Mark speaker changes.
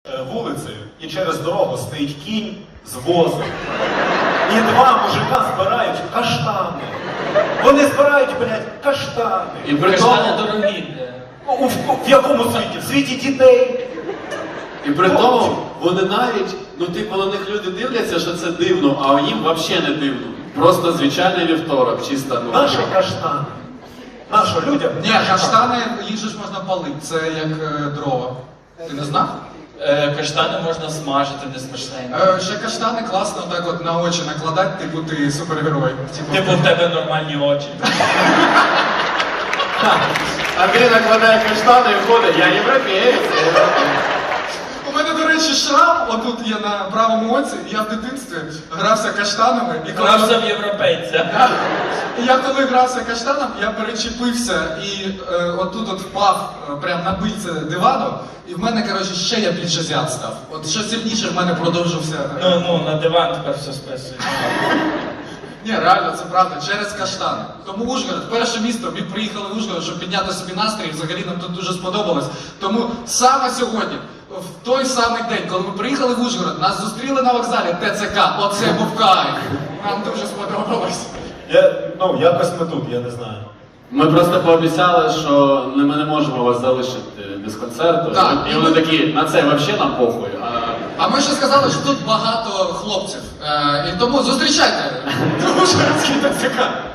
Speaker 1: Вулицею і через дорогу стоїть кінь з возом. І два мужика збирають каштани. Вони збирають, блядь, каштани.
Speaker 2: І при
Speaker 3: Каштани
Speaker 2: тому,
Speaker 3: дорогі.
Speaker 1: В якому світі? В світі дітей.
Speaker 2: вони навіть, типу, на них люди дивляться, що це дивно, а їм взагалі не дивно. Просто звичайний вівторок, чисто,
Speaker 1: Наші каштани. Нашо людям.
Speaker 4: Ні, каштани, їх же ж можна палити, це як дрова. Ти не знав?
Speaker 3: Каштани можна смажити, не смачненько.
Speaker 4: Ще каштани класно так от на очі накладати, типу ти супергерой.
Speaker 3: Типу в тебе нормальні очі.
Speaker 2: Андрій накладає каштани і входить, я європеєць.
Speaker 4: У мене, до речі, шрам, отут є на правому оці, і я в дитинстві грався каштанами. І
Speaker 3: Грався в європейця.
Speaker 4: І я коли грався каштаном, я перечепився і отут от впав прямо на бильце дивану, і в мене, коротше, ще я більше зяд став. От що сильніше в мене продовжився.
Speaker 3: На диван тепер все списує.
Speaker 4: Ні, реально, це правда, через каштани. Тому Ужгород, перше місто, ми приїхали в Ужгород, щоб підняти собі настрій, і взагалі нам тут дуже сподобалось. Тому саме сьогодні, в той самий день, коли ми приїхали в Ужгород, нас зустріли на вокзалі ТЦК, оце був кайф. Нам дуже сподобалось.
Speaker 1: Якось ми тут, я не знаю.
Speaker 2: Ми просто пообіцяли, що ми не можемо вас залишити без концерту.
Speaker 4: Так.
Speaker 2: І вони такі, на це взагалі нам похуй.
Speaker 4: А ми ще сказали, що тут багато хлопців. І тому зустрічайте! Ужгородський ТЦК!